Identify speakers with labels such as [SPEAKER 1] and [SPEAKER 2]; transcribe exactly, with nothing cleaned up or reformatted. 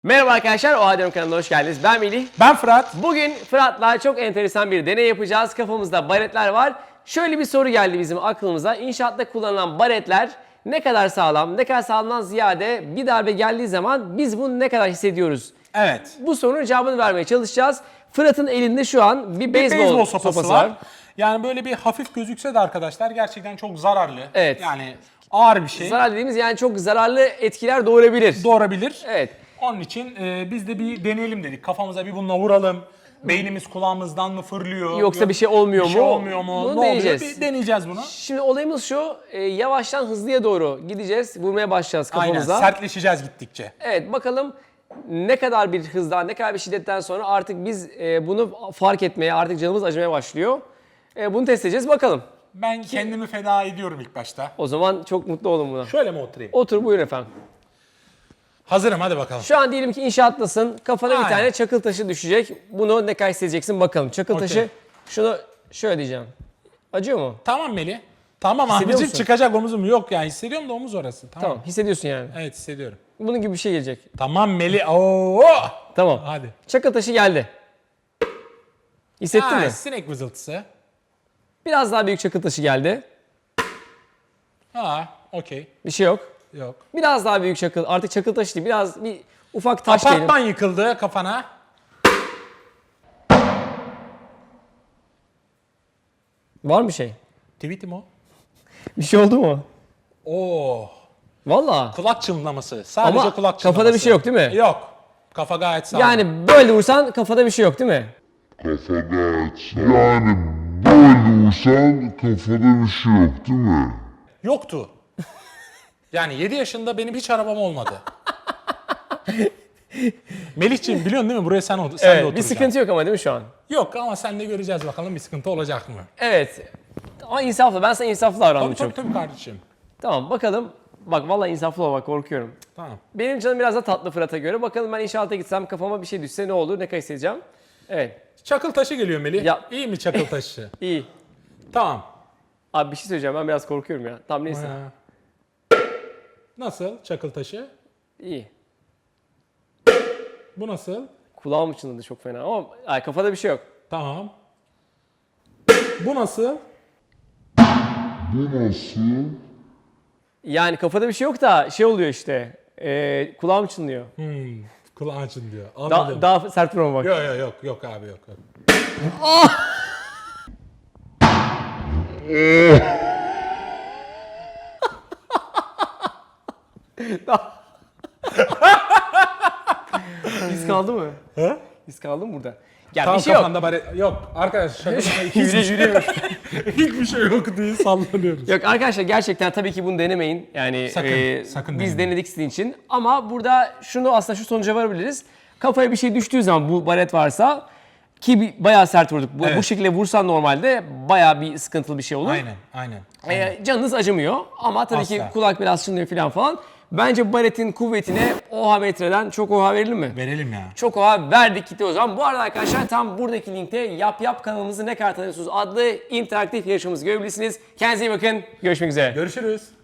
[SPEAKER 1] Merhaba arkadaşlar, Oha Diyorum kanalına hoş geldiniz. Ben Melih.
[SPEAKER 2] Ben Fırat.
[SPEAKER 1] Bugün Fırat'la çok enteresan bir deney yapacağız. Kafamızda baretler var. Şöyle bir soru geldi bizim aklımıza. İnşaatta kullanılan baretler ne kadar sağlam, ne kadar sağlamdan ziyade bir darbe geldiği zaman biz bunu ne kadar hissediyoruz?
[SPEAKER 2] Evet.
[SPEAKER 1] Bu sorunun cevabını vermeye çalışacağız. Fırat'ın elinde şu an bir beyzbol,
[SPEAKER 2] Beyzbol sopası,
[SPEAKER 1] sopası
[SPEAKER 2] var.
[SPEAKER 1] var.
[SPEAKER 2] Yani böyle bir hafif gözükse de arkadaşlar gerçekten çok zararlı.
[SPEAKER 1] Evet.
[SPEAKER 2] Yani ağır bir şey.
[SPEAKER 1] Zarar dediğimiz yani çok zararlı etkiler doğurabilir.
[SPEAKER 2] Doğurabilir.
[SPEAKER 1] Evet.
[SPEAKER 2] Onun için e, biz de bir deneyelim dedik. Kafamıza bir bununla vuralım. Beynimiz kulağımızdan mı fırlıyor?
[SPEAKER 1] Yoksa
[SPEAKER 2] Yok,
[SPEAKER 1] bir şey olmuyor
[SPEAKER 2] bir
[SPEAKER 1] mu?
[SPEAKER 2] şey olmuyor mu?
[SPEAKER 1] Bunu
[SPEAKER 2] ne
[SPEAKER 1] deneyeceğiz.
[SPEAKER 2] oluyor? Bir deneyeceğiz bunu.
[SPEAKER 1] Şimdi olayımız şu, e, yavaştan hızlıya doğru gideceğiz, vurmaya başlayacağız
[SPEAKER 2] Aynen.
[SPEAKER 1] kafamıza.
[SPEAKER 2] Sertleşeceğiz gittikçe.
[SPEAKER 1] Evet, bakalım ne kadar bir hızdan, ne kadar bir şiddetten sonra artık biz e, bunu fark etmeye, artık canımız acımaya başlıyor. E, bunu test edeceğiz, bakalım.
[SPEAKER 2] Ben kendimi feda ediyorum ilk başta.
[SPEAKER 1] O zaman çok mutlu olun buna.
[SPEAKER 2] Şöyle mi oturayım?
[SPEAKER 1] Otur, buyurun efendim.
[SPEAKER 2] Hazırım, hadi bakalım.
[SPEAKER 1] Şu an diyelim ki inşaattasın, kafana
[SPEAKER 2] Aynen.
[SPEAKER 1] bir tane çakıl taşı düşecek. Bunu ne kadar hissedeceksin bakalım. Çakıl
[SPEAKER 2] Okey.
[SPEAKER 1] taşı, şunu şöyle diyeceğim. Acıyor mu?
[SPEAKER 2] Tamam Melih. Tamam
[SPEAKER 1] Hissediyor
[SPEAKER 2] abicim,
[SPEAKER 1] musun?
[SPEAKER 2] çıkacak omuzum. Yok ya, hissediyorum da omuz orası. Tamam.
[SPEAKER 1] Tamam, hissediyorsun yani.
[SPEAKER 2] Evet, hissediyorum.
[SPEAKER 1] Bunun gibi bir şey gelecek.
[SPEAKER 2] Tamam Melih. Oo!
[SPEAKER 1] Tamam.
[SPEAKER 2] Hadi.
[SPEAKER 1] Çakıl taşı geldi. Hissettin
[SPEAKER 2] Ha,
[SPEAKER 1] mi?
[SPEAKER 2] sinek vızıltısı.
[SPEAKER 1] Biraz daha büyük çakıl taşı geldi.
[SPEAKER 2] Ha, okey.
[SPEAKER 1] Bir şey yok.
[SPEAKER 2] Yok.
[SPEAKER 1] Biraz daha büyük çakıl. Artık çakıl taşı değil. Biraz bir ufak taş diyelim.
[SPEAKER 2] Apartman yıkıldı kafana.
[SPEAKER 1] Var mı şey?
[SPEAKER 2] Tweetim o.
[SPEAKER 1] Bir şey oldu mu?
[SPEAKER 2] Oo.
[SPEAKER 1] Valla.
[SPEAKER 2] Kulak çınlaması. Sadece
[SPEAKER 1] Ama
[SPEAKER 2] kulak çınlaması.
[SPEAKER 1] kafada bir şey yok değil mi?
[SPEAKER 2] Yok. Kafa gayet sağlam.
[SPEAKER 1] Yani böyle vursan kafada bir şey yok değil mi?
[SPEAKER 3] Kafada et. Yani böyle vursan kafada bir şey yok değil mi?
[SPEAKER 2] Yoktu. Yani yedi yaşında benim hiç arabam olmadı. Melihciğim biliyorsun değil mi? Buraya sen, sen de
[SPEAKER 1] Evet.
[SPEAKER 2] oturacaksın.
[SPEAKER 1] Bir sıkıntı yok ama değil mi şu an?
[SPEAKER 2] Yok ama sen de göreceğiz bakalım bir sıkıntı olacak mı?
[SPEAKER 1] Evet. Ama insaflı. Ben sana insaflı davrandım
[SPEAKER 2] Tabii
[SPEAKER 1] çok.
[SPEAKER 2] tabii tabii kardeşim.
[SPEAKER 1] Tamam bakalım. Bak vallahi insaflı ol, bak korkuyorum.
[SPEAKER 2] Tamam.
[SPEAKER 1] Benim canım biraz da tatlı Fırat'a göre. Bakalım ben inşaata gitsem kafama bir şey düşse ne olur? Ne kadar hissedeceğim? Evet.
[SPEAKER 2] Çakıl taşı geliyor Melih.
[SPEAKER 1] Ya-
[SPEAKER 2] İyi mi çakıl taşı?
[SPEAKER 1] İyi.
[SPEAKER 2] Tamam.
[SPEAKER 1] Abi bir şey söyleyeceğim. Ben biraz korkuyorum ya. Tamam neyse.
[SPEAKER 2] Ha. Nasıl çakıl taşı?
[SPEAKER 1] İyi.
[SPEAKER 2] Bu nasıl?
[SPEAKER 1] Kulağım çınladı çok fena ama ay, kafada bir şey yok.
[SPEAKER 2] Tamam. Bu nasıl?
[SPEAKER 3] Bu nasıl?
[SPEAKER 1] Yani kafada bir şey yok da şey oluyor işte. E, kulağım çınlıyor.
[SPEAKER 2] Hmm, kulağın açın diyor.
[SPEAKER 1] Da-
[SPEAKER 2] Anladım.
[SPEAKER 1] daha sert vurma bak.
[SPEAKER 2] Yok yok yok yok abi yok. yok.
[SPEAKER 1] İz kaldı mı?
[SPEAKER 2] He?
[SPEAKER 1] İz kaldı mı burada? Ya
[SPEAKER 2] Tam
[SPEAKER 1] bir şey yok.
[SPEAKER 2] kafanda bari... Yok arkadaş şaka şaka hiçbir
[SPEAKER 1] Yürü,
[SPEAKER 2] şey,
[SPEAKER 1] yürü.
[SPEAKER 2] hiçbir şey yok diye sallanıyoruz.
[SPEAKER 1] Yok arkadaşlar gerçekten tabii ki bunu denemeyin. Yani
[SPEAKER 2] Sakın,
[SPEAKER 1] e,
[SPEAKER 2] sakın
[SPEAKER 1] biz
[SPEAKER 2] denemeyin.
[SPEAKER 1] denedik sizin için. Ama burada şunu aslında şu sonuca varabiliriz. Kafaya bir şey düştüğü zaman bu baret varsa ki bir, bayağı sert vurduk. Bu,
[SPEAKER 2] Evet.
[SPEAKER 1] bu şekilde vursan normalde bayağı bir sıkıntılı bir şey olur.
[SPEAKER 2] Aynen aynen.
[SPEAKER 1] E, canınız acımıyor ama tabii ki
[SPEAKER 2] Asla.
[SPEAKER 1] kulak biraz çınlıyor falan falan. Bence bu baretin kuvvetine oha metreden çok oha verilir mi?
[SPEAKER 2] Verelim ya.
[SPEAKER 1] Çok oha verdik gitti o zaman. Bu arada arkadaşlar tam buradaki linkte Yap Yap kanalımızı ne kadar tanıyorsunuz adlı interaktif yarışmamızı görebilirsiniz. Kendinize iyi bakın. Görüşmek üzere.
[SPEAKER 2] Görüşürüz.